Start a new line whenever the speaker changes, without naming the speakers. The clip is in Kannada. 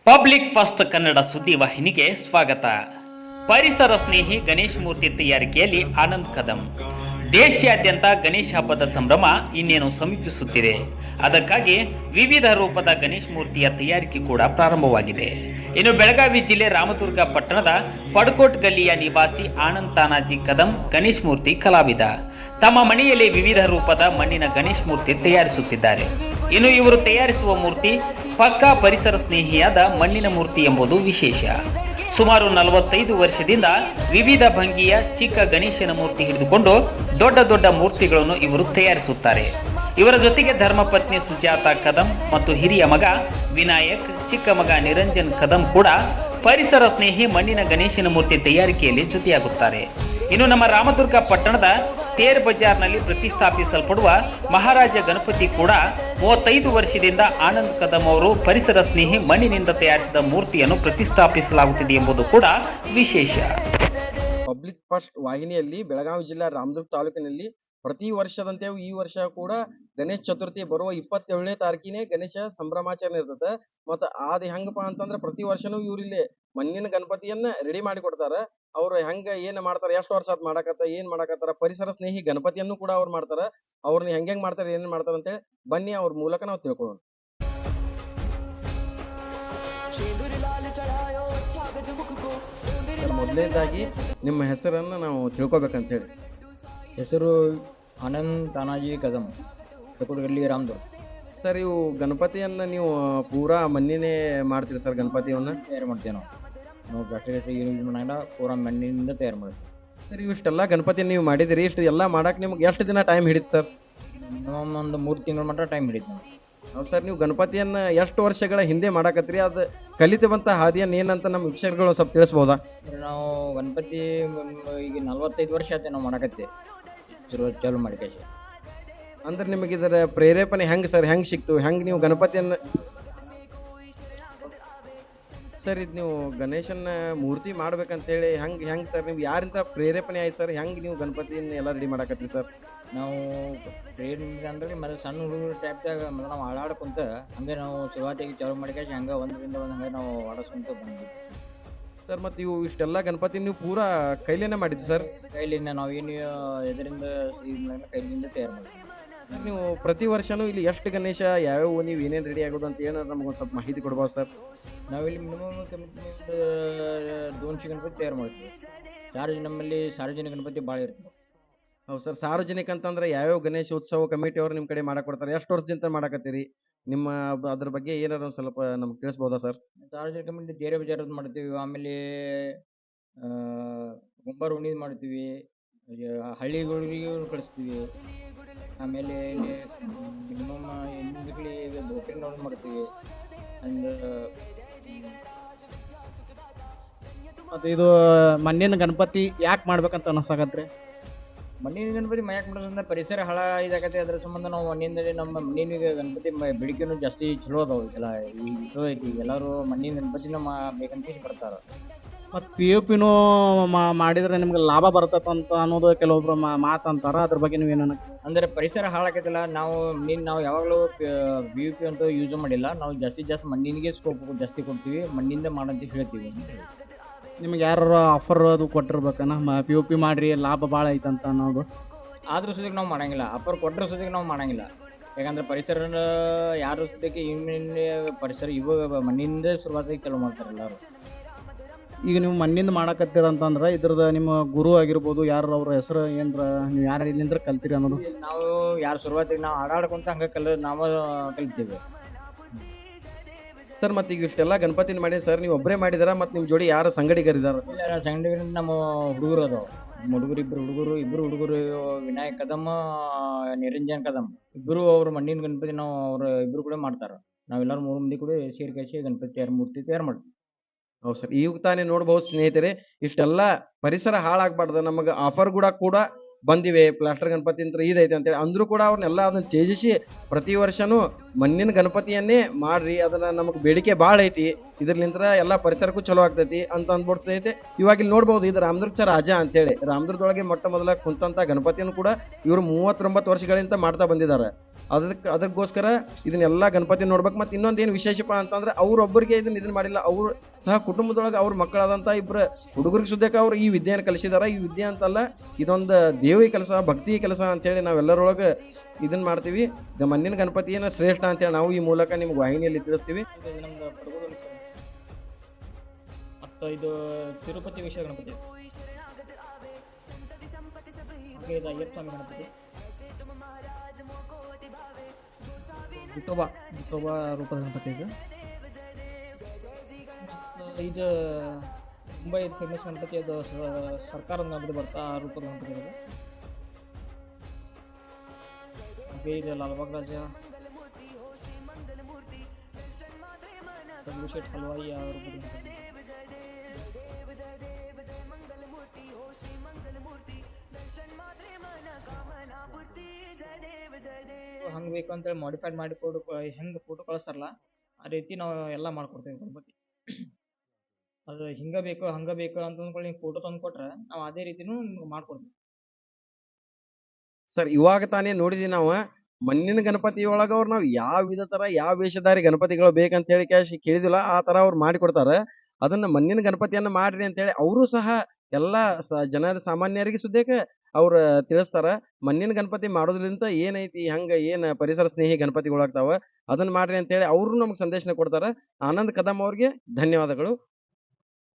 ಪಬ್ಲಿಕ್ ಫಸ್ಟ್ ಕನ್ನಡ ಸುದ್ದಿ ವಾಹಿನಿಗೆ ಸ್ವಾಗತ. ಪರಿಸರ ಸ್ನೇಹಿ ಗಣೇಶ ಮೂರ್ತಿ ತಯಾರಿಕೆಯಲ್ಲಿ ಆನಂದ್ ಕದಂ. ದೇಶಾದ್ಯಂತ ಗಣೇಶ ಹಬ್ಬದ ಸಂಭ್ರಮ ಇನ್ನೇನು ಸಮೀಪಿಸುತ್ತಿದೆ. ಅದಕ್ಕಾಗಿ ವಿವಿಧ ರೂಪದ ಗಣೇಶ ಮೂರ್ತಿಯ ತಯಾರಿಕೆ ಕೂಡ ಪ್ರಾರಂಭವಾಗಿದೆ. ಇನ್ನು ಬೆಳಗಾವಿ ಜಿಲ್ಲೆ ರಾಮದುರ್ಗ ಪಟ್ಟಣದ ಪಡ್ಕೋಟ್ ಗಲ್ಲಿಯ ನಿವಾಸಿ ಆನಂದ್ ತಾನಾಜಿ ಕದಂ ಗಣೇಶ ಮೂರ್ತಿ ಕಲಾವಿದ. ತಮ್ಮ ಮನೆಯಲ್ಲಿ ವಿವಿಧ ರೂಪದ ಮಣ್ಣಿನ ಗಣೇಶ ಮೂರ್ತಿ ತಯಾರಿಸುತ್ತಿದ್ದಾರೆ. ಇನ್ನು ಇವರು ತಯಾರಿಸುವ ಮೂರ್ತಿ ಪಕ್ಕಾ ಪರಿಸರ ಸ್ನೇಹಿಯಾದ ಮಣ್ಣಿನ ಮೂರ್ತಿ ಎಂಬುದು ವಿಶೇಷ. ಸುಮಾರು 45 ವರ್ಷದಿಂದ ವಿವಿಧ ಭಂಗಿಯ ಚಿಕ್ಕ ಗಣೇಶನ ಮೂರ್ತಿ ಹಿಡಿದುಕೊಂಡು ದೊಡ್ಡ ದೊಡ್ಡ ಮೂರ್ತಿಗಳನ್ನು ಇವರು ತಯಾರಿಸುತ್ತಾರೆ. ಇವರ ಜೊತೆಗೆ ಧರ್ಮಪತ್ನಿ ಸುಜಾತ ಕದಂ ಮತ್ತು ಹಿರಿಯ ಮಗ ವಿನಾಯಕ್, ಚಿಕ್ಕ ಮಗ ನಿರಂಜನ್ ಕದಂ ಕೂಡ ಪರಿಸರ ಸ್ನೇಹಿ ಮಣ್ಣಿನ ಗಣೇಶನ ಮೂರ್ತಿ ತಯಾರಿಕೆಯಲ್ಲಿ ಜೊತೆಯಾಗುತ್ತಾರೆ. ಇನ್ನು ನಮ್ಮ ರಾಮದುರ್ಗ ಪಟ್ಟಣದ ತೇರ್ ಬಜಾರ್ನಲ್ಲಿ ಪ್ರತಿಷ್ಠಾಪಿಸಲ್ಪಡುವ ಮಹಾರಾಜ ಗಣಪತಿ ಕೂಡ 35 ವರ್ಷದಿಂದ ಆನಂದ್ ಕದಂ ಅವರು ಪರಿಸರ ಸ್ನೇಹಿ ಮಣ್ಣಿನಿಂದ ತಯಾರಿಸಿದ ಮೂರ್ತಿಯನ್ನು ಪ್ರತಿಷ್ಠಾಪಿಸಲಾಗುತ್ತಿದೆ ಎಂಬುದು ಕೂಡ ವಿಶೇಷ.
ಪಬ್ಲಿಕ್ ಫಸ್ಟ್ ವಾಹಿನಿಯಲ್ಲಿ ಬೆಳಗಾವಿ ಜಿಲ್ಲಾ ರಾಮದುರ್ಗ ತಾಲೂಕಿನಲ್ಲಿ ಪ್ರತಿ ವರ್ಷದಂತೆ ಈ ವರ್ಷ ಕೂಡ ಗಣೇಶ ಚತುರ್ಥಿ ಬರುವ 27ನೇ ತಾರೀಕಿನೇ ಗಣೇಶ ಸಂಭ್ರಮಾಚರಣೆ ಇರ್ತದೆ. ಮತ್ತ ಅದ್ ಹೆಂಗಪ್ಪ ಅಂತಂದ್ರ ಪ್ರತಿ ವರ್ಷನೂ ಇವ್ರಿಲ್ಲಿ ಮಣ್ಣಿನ ಗಣಪತಿಯನ್ನ ರೆಡಿ ಮಾಡಿ ಕೊಡ್ತಾರ. ಅವ್ರು ಹೆಂಗ ಏನ್ ಮಾಡ್ತಾರ, ಎಷ್ಟು ವರ್ಷ ಆತ್ ಏನ್ ಮಾಡಕತ್ತಾರ, ಪರಿಸರ ಸ್ನೇಹಿ ಗಣಪತಿಯನ್ನು ಕೂಡ ಅವ್ರು ಮಾಡ್ತಾರ. ಅವ್ರನ್ನ ಹೆಂಗ್ ಮಾಡ್ತಾರ, ಏನ್ ಮಾಡ್ತಾರ ಅಂತ ಬನ್ನಿ ಅವ್ರ ಮೂಲಕ ನಾವು ತಿಳ್ಕೊಳ್ಳೋಣ. ಮೊದಲನೇದಾಗಿ ನಿಮ್ಮ ಹೆಸರನ್ನ ನಾವು ತಿಳ್ಕೊಬೇಕಂತ ಹೇಳಿ.
ಹೆಸರು ಆನಂದ್ ತಾನಾಜಿ ಕದಂ, ಪಡ್ಕೋಟ್ಗಲ್ಲಿ ರಾಮದುರ್ಗ.
ಸರ್, ಇವು ಗಣಪತಿಯನ್ನ ನೀವು ಪೂರಾ ಮಣ್ಣಿನೇ ಮಾಡ್ತೀರಿ ಸರ್? ಗಣಪತಿಯನ್ನ
ತಯಾರು ಮಾಡ್ತೇವೆ ನಾವು ಪ್ಲಾಸ್ಟಿಕ್ ಯೂಸ್ ಮಾಡಂಗಿಲ್ಲ, ಪೂರಾ ಮಣ್ಣಿನಿಂದ ತಯಾರು ಮಾಡ್ತೀವಿ.
ಸರ್, ಇವಿಷ್ಟೆಲ್ಲ ಗಣಪತಿಯನ್ನು ನೀವು ಮಾಡಿದಿರಿ, ಇಷ್ಟು ಎಲ್ಲ ಮಾಡಕ್ ನಿಮ್ಗೆ ಎಷ್ಟು ದಿನ ಟೈಮ್ ಹಿಡಿತು ಸರ್?
ಮಿನಿಮಮ್ ಒಂದು 3 ತಿಂಗಳ ಮಟ್ಟ ಟೈಮ್ ಹಿಡಿತು ನಾವು.
ಹೌದು ಸರ್, ನೀವು ಗಣಪತಿಯನ್ನ ಎಷ್ಟು ವರ್ಷಗಳ ಹಿಂದೆ ಮಾಡಕತ್ತೀರಿ? ಅದು ಕಲಿತವಂತ ಹಾದಿಯನ್ನ ಏನಂತ ನಮ್ಮ ವೀಕ್ಷಕರುಗಳು ಸ್ವಲ್ಪ ತಿಳಿಸ್ಬೋದಾ?
ನಾವು ಗಣಪತಿ ಈಗ 45 ವರ್ಷ ಆಯ್ತು ನಾವು ಮಾಡಕತ್ತಿ ಚಾಲು ಮಾಡಿ ಕೈ.
ಅಂದ್ರೆ ನಿಮಗೆ ಇದರ ಪ್ರೇರೇಪಣೆ ಹೆಂಗ್ ಸರ್, ಹೆಂಗ್ ಸಿಕ್ತು, ಹೆಂಗ್ ನೀವು ಗಣಪತಿಯನ್ನ ಸರ್ ಇದು ನೀವು ಗಣೇಶನ ಮೂರ್ತಿ ಮಾಡ್ಬೇಕಂತ ಹೇಳಿ ಹೆಂಗ್ ಸರ್, ನೀವು ಯಾರಿಂದ ಪ್ರೇರೇಪಣೆ ಆಯ್ತು ಸರ್? ಹೆಂಗ್ ನೀವು ಗಣಪತಿಯನ್ನ ಎಲ್ಲ ರೆಡಿ ಮಾಡಕತ್ರಿ ಸರ್?
ನಾವು ಟ್ರೇನಿಂಗ್ ಅಂದ್ರೆ ಮತ್ತೆ ಸಣ್ಣ ಹುಡುಗರು ಟೈಪ್ದಾಗ ನಾವು ಆಡಾಡ್ಕೊಂತ ಹಂಗೆ ನಾವು ಶುರುವಾತಿಗೆ ಚಾಲು ಮಾಡಿ ಕೈ ಹಂಗೆ ಒಂದರಿಂದ ಒಂದು ಹಂಗೆ ನಾವು ಆಡಿಸ್ಕೊಂತ ಬಂದ್ವಿ
ಸರ್. ಮತ್ತೆ ಇವು ಇಷ್ಟೆಲ್ಲ ಗಣಪತಿ ನೀವು ಪೂರಾ ಕೈಲೇನೆ ಮಾಡಿದ್ರಿ ಸರ್?
ಕೈಲಿಂದ ನಾವೇನು ಇದರಿಂದ ಕೈಲಿಂದ ತಯಾರು ಮಾಡ್ತೀವಿ.
ನೀವು ಪ್ರತಿ ವರ್ಷನೂ ಇಲ್ಲಿ ಎಷ್ಟು ಗಣೇಶ ಯಾವ್ಯಾವ ನೀವು ಏನೇನು ರೆಡಿ ಆಗೋದು ಅಂತ ಏನಾದ್ರು ನಮಗೊಂದು ಸ್ವಲ್ಪ ಮಾಹಿತಿ ಕೊಡ್ಬೋದು ಸರ್?
ನಾವಿಲ್ಲಿ ಮಿನಿಮಮ್ ಕಮಿಟಿ 200 ಗಣಪತಿ ತಯಾರು ಮಾಡ್ತೀವಿ. ನಮ್ಮಲ್ಲಿ ಸಾರ್ವಜನಿಕ ಗಣಪತಿ ಭಾಳ ಇರ್ತದೆ.
ಹೌದು ಸರ್, ಸಾರ್ವಜನಿಕ ಅಂತಂದ್ರೆ ಯಾವ್ಯಾವ ಗಣೇಶ ಉತ್ಸವ ಕಮಿಟಿ ಅವ್ರು ನಿಮ್ಮ ಕಡೆ ಮಾಡಕ್ ಕೊಡ್ತಾರೆ? ಎಷ್ಟು ವರ್ಷದಿಂದ ಮಾಡಕತ್ತೀರಿ? ನಿಮ್ಮ ಅದ್ರ ಬಗ್ಗೆ ಏನಾದ್ರು ಒಂದು ಸ್ವಲ್ಪ ನಮ್ಗೆ ತಿಳಿಸ್ಬೋದಾ ಸರ್?
ಸಾರ್ವಜನಿಕ ಕಮಿಟಿ ಬೇರೆ ಬಜಾರದ್ದು ಮಾಡ್ತೀವಿ, ಆಮೇಲೆ ಗುಂಬಾರ ಉಣಿದ್ ಮಾಡ್ತೀವಿ, ಹಳ್ಳಿಗಳಿಗೆ ಕಳಿಸ್ತೀವಿ. ಆಮೇಲೆ ಮಿನಿಮಮ್ ಹೆಣ್ಮಕ್ಳಿ ಬೋಟಿಂಗ್ ಮಾಡ್ತೀವಿ. ಅಂಡ್
ಮತ್ತೆ ಇದು ಮಣ್ಣಿನ ಗಣಪತಿ ಯಾಕೆ ಮಾಡ್ಬೇಕಂತ ಅನ್ಸಾಕತ್ರಿ?
ಮಣ್ಣಿನ ಗಣಪತಿ ಮಯಾಕ್ ಮಾಡೋದ್ರಿಂದ ಪರಿಸರ ಹಾಳ ಇದಾಗತ್ತೆ. ಅದ್ರ ಸಂಬಂಧ ನಾವು ಮಣ್ಣಿನಲ್ಲಿ ನಮ್ಮ ಮಣ್ಣಿನ ಗಣಪತಿ ಬೇಡಿಕೆನೂ ಜಾಸ್ತಿ ಚಲೋ ಅದಾವ. ಎಲ್ಲ ಈಗ ಚಲೋ ಐತಿ, ಎಲ್ಲರೂ ಮಣ್ಣಿನ ಗಣಪತಿನ ಬೇಕಂತ ಬರ್ತಾರ.
ಮತ್ತು POPನೂ ಮಾಡಿದ್ರೆ ನಿಮ್ಗೆ ಲಾಭ ಬರ್ತೈತೆ ಅಂತ ಅನ್ನೋದು ಕೆಲವೊಬ್ರು ಮಾತಂತಾರ. ಅದ್ರ ಬಗ್ಗೆ ನೀವೇನು
ಅಂದ್ರೆ ಪರಿಸರ ಹಾಳಾಕೈತಿಲ್ಲ. ನಾವು ಯಾವಾಗಲೂ POP ಅಂತ ಯೂಸ್ ಮಾಡಿಲ್ಲ. ನಾವು ಜಾಸ್ತಿ ಮಣ್ಣಿನಿಗೆ ಸ್ಕೋಪ್ ಜಾಸ್ತಿ ಕೊಡ್ತೀವಿ, ಮಣ್ಣಿಂದ ಮಾಡಂತ ಹೇಳ್ತೀವಿ.
ನಿಮ್ಗೆ ಯಾರು ಆಫರ್ ಅದು ಕೊಟ್ಟಿರ್ಬೇಕನ POP ಮಾಡ್ರಿ ಲಾಭ ಭಾಳ ಐತಂತ ಅನ್ನೋದು?
ಆದ್ರೂ ಸುದಕ್ಕೆ ನಾವು ಮಾಡಂಗಿಲ್ಲ, ಆಫರ್ ಕೊಟ್ಟರೆ ಸುದಕ್ಕೆ ನಾವು ಮಾಡಂಗಿಲ್ಲ. ಯಾಕಂದ್ರೆ ಪರಿಸರ ಯಾರು ಸುದಕ್ಕೆ ಪರಿಸರ ಇವಾಗ ಮಣ್ಣಿನಿಂದ ಶುರುವಾತಾಗಿ ಕೆಲವು ಮಾಡ್ತಾರೆ ಎಲ್ಲರೂ.
ಈಗ ನೀವು ಮಣ್ಣಿಂದ ಮಾಡಕತ್ತೀರ ಅಂತಂದ್ರೆ ಇದ್ರದ್ದು ನಿಮ್ಮ ಗುರು ಆಗಿರ್ಬೋದು, ಯಾರು ಅವ್ರ ಹೆಸರು ಏನ್ರ ನೀವು ಯಾರು ಇಲ್ಲಿಂದ್ರ ಕಲ್ತೀರಿ ಅನ್ನೋದು?
ನಾವು ಯಾರು ಶುರುವಾತಿಗೆ ನಾವು ಆಡಾಡ್ಕೊಂತ ಹಂಗೆ ನಾವು ಕಲಿತೀವಿ
ಸರ್. ಮತ್ತೆ ಈಗ ಇಷ್ಟೆಲ್ಲ ಗಣಪತಿನ ಮಾಡಿ ಸರ್, ನೀವು ಒಬ್ಬರೇ ಮಾಡಿದಾರ ಮತ್ತೆ ನಿಮ್ಮ ಜೋಡಿ ಯಾರು ಸಂಗಡಿಗರಿದಾರ?
ಸಂಗಡಿಗರಿಂದ ನಮ್ಮ ಹುಡುಗರು ಅದಾವ. ಇಬ್ರು ಹುಡುಗರು ವಿನಾಯಕ್ ಕದಂ, ನಿರಂಜನ್ ಕದಂ, ಇಬ್ರು ಅವ್ರ ಮಣ್ಣಿನ ಗಣಪತಿ ನಾವು ಅವ್ರ ಇಬ್ರು ಕೂಡ ಮಾಡ್ತಾರ. ನಾವೆಲ್ಲರೂ 3 ಮಂದಿ ಕೂಡ ಸೇರಿ ಗಣಪತಿ ಮೂರ್ತಿ ತಯಾರು ಮಾಡ್ತೀವಿ.
ಹೌದು ಸರ್, ಈಗ ತಾನೇ ನೋಡ್ಬಹುದು ಸ್ನೇಹಿತರೆ, ಇಷ್ಟೆಲ್ಲ ಪರಿಸರ ಹಾಳಾಗ್ಬಾರ್ದು, ನಮಗೆ ಆಫರ್ ಕೂಡ ಬಂದಿವೆ. ಪ್ಲಾಸ್ಟರ್ ಗಣಪತಿ ಅಂತ ಇದೈತೆ ಅಂತೇಳಿ ಅಂದ್ರೂ ಕೂಡ ಅವ್ರನ್ನೆಲ್ಲ ಅದನ್ನ ತ್ಯಜಿಸಿ ಪ್ರತಿ ವರ್ಷನೂ ಮಣ್ಣಿನ ಗಣಪತಿಯನ್ನೇ ಮಾಡ್ರಿ. ಅದನ್ನ ನಮಗೆ ಬೇಡಿಕೆ ಭಾಳ ಐತಿ. ಇದ್ರಲಿಂತ್ರ ಎಲ್ಲಾ ಪರಿಸರಕ್ಕೂ ಚಲೋ ಆಗ್ತೈತಿ ಅಂತ ಅಂದ್ಬಿಟ್ಟು ಸಹಿತ ಇವಾಗ ಇಲ್ಲಿ ನೋಡ್ಬೋದು ಇದು ರಾಮದುರ್ಗ ರಾಜ ಅಂತೇಳಿ ರಾಮದುರ್ಗದೊಳಗೆ ಮೊಟ್ಟ ಮೊದಲ ಕುಂತಂತ ಗಣಪತಿಯನ್ನು ಕೂಡ ಇವರು 39 ವರ್ಷಗಳಿಂದ ಮಾಡ್ತಾ ಬಂದಿದ್ದಾರೆ. ಅದಕ್ಕೋಸ್ಕರ ಇದನ್ನೆಲ್ಲಾ ಗಣಪತಿ ನೋಡ್ಬೇಕು. ಮತ್ತೆ ಇನ್ನೊಂದ್ ಏನ್ ವಿಶೇಷಪ್ಪ ಅಂತಂದ್ರೆ ಅವ್ರೊಬ್ಬರಿಗೆ ಇದನ್ನ ಮಾಡಿಲ್ಲ, ಅವ್ರು ಸಹ ಕುಟುಂಬದೊಳಗೆ ಅವ್ರ ಮಕ್ಕಳಾದಂತ ಇಬ್ರು ಹುಡುಗರಿಗೆ ಸುದ್ದಕ್ಕೆ ಅವ್ರು ಈ ವಿದ್ಯೆಯನ್ನು ಕಲಿಸಿದಾರ. ಈ ವಿದ್ಯೆ ಅಂತಲ್ಲ, ಇದೊಂದು ದೇವಿ ಕೆಲಸ, ಭಕ್ತಿ ಕೆಲಸ ಅಂತೇಳಿ ನಾವೆಲ್ಲರೊಳಗೆ ಇದನ್ನ ಮಾಡ್ತೀವಿ. ಮಣ್ಣಿನ ಗಣಪತಿಯನ್ನ ಶ್ರೇಷ್ಠ ಅಂತೇಳಿ ನಾವು ಈ ಮೂಲಕ ನಿಮ್ಗೆ ವಾಹಿನಿಯಲ್ಲಿ ತಿಳಿಸ್ತೀವಿ.
ಇದು ನಮ್ದು ಪಡಗೂರಲ್ಲಿ ಸರ್. ಮತ್ತು ಇದು ತಿರುಪತಿ ವಿಶ್ವ ಗಣಪತಿ, ಹಾಗೆ ಇದು ಅಯ್ಯಪ್ಪ ಸ್ವಾಮಿ ಗಣಪತಿ,
ವಿಠೋಬಾ ರೂಪದ ಗಣಪತಿ ಇದು.
ಮತ್ತು ಇದು ಮುಂಬೈ ಫೇಮಸ್ ಗಣಪತಿ, ಅದು ಸರ್ಕಾರದ ಗಣಪತಿ ಬರ್ತಾ ಆ ರೂಪದ ಗಣಪತಿ ಇದು. ಹಾಗೆ ಇದು ಲಾಲ್ಬಾಗ್ ರಾಜ, ಶೇಟ್ ಹಲ್ವಾಯಿ ಆ ರೂಪದ ಗಣಪತಿ. ಹಂಗೆ ಬೇಕು ಅಂತೇಳಿ ಮಾಡಿಫೈಡ್ ಮಾಡಿ ಹೆಂಗೆ ಫೋಟೋ ಕಳಿಸ್ತಾರಲ್ಲ ಆ ರೀತಿ ನಾವು ಎಲ್ಲ ಮಾಡ್ಕೊಡ್ತೇವೆ ಗಣಪತಿ. ಅದು ಹಿಂಗೆ ಬೇಕು ಹಂಗೆ ಬೇಕು ಅಂತ ಅಂದ್ಕೊಳ್ಳಿ, ನೀವು ಫೋಟೋ ತಂದು ಕೊಟ್ರೆ ನಾವು ಅದೇ ರೀತಿನೂ ಮಾಡ್ಕೊಡ್ತೀವಿ.
ಸರ್ ಇವಾಗ ತಾನೇ ನೋಡಿದ್ವಿ ನಾವು ಮಣ್ಣಿನ ಗಣಪತಿ ಒಳಗ ಅವ್ರು ನಾವು ಯಾವ ವಿಧ ತರ ಯಾವ ವೇಷಧಾರಿ ಗಣಪತಿಗಳು ಬೇಕಂತ ಹೇಳಿ ಕೇಳಿದಿಲ್ಲ, ಆ ತರ ಅವ್ರು ಮಾಡಿಕೊಡ್ತಾರ. ಅದನ್ನ ಮಣ್ಣಿನ ಗಣಪತಿಯನ್ನ ಮಾಡ್ರಿ ಅಂತ ಹೇಳಿ ಅವರು ಸಹ ಎಲ್ಲಾ ಜನರ ಸಾಮಾನ್ಯರಿಗೆ ಸುದ್ದೇಕ ಅವ್ರ ತಿಳಿಸ್ತಾರ. ಮಣ್ಣಿನ ಗಣಪತಿ ಮಾಡೋದ್ರಿಂದ ಏನೈತಿ, ಹಂಗ ಏನ್ ಪರಿಸರ ಸ್ನೇಹಿ ಗಣಪತಿಗಳಾಗ್ತಾವ ಅದನ್ನ ಮಾಡ್ರಿ ಅಂತ ಹೇಳಿ ಅವ್ರು ನಮ್ಗೆ ಸಂದೇಶನ ಕೊಡ್ತಾರ. ಆನಂದ್ ಕದಂ ಅವ್ರಿಗೆ ಧನ್ಯವಾದಗಳು.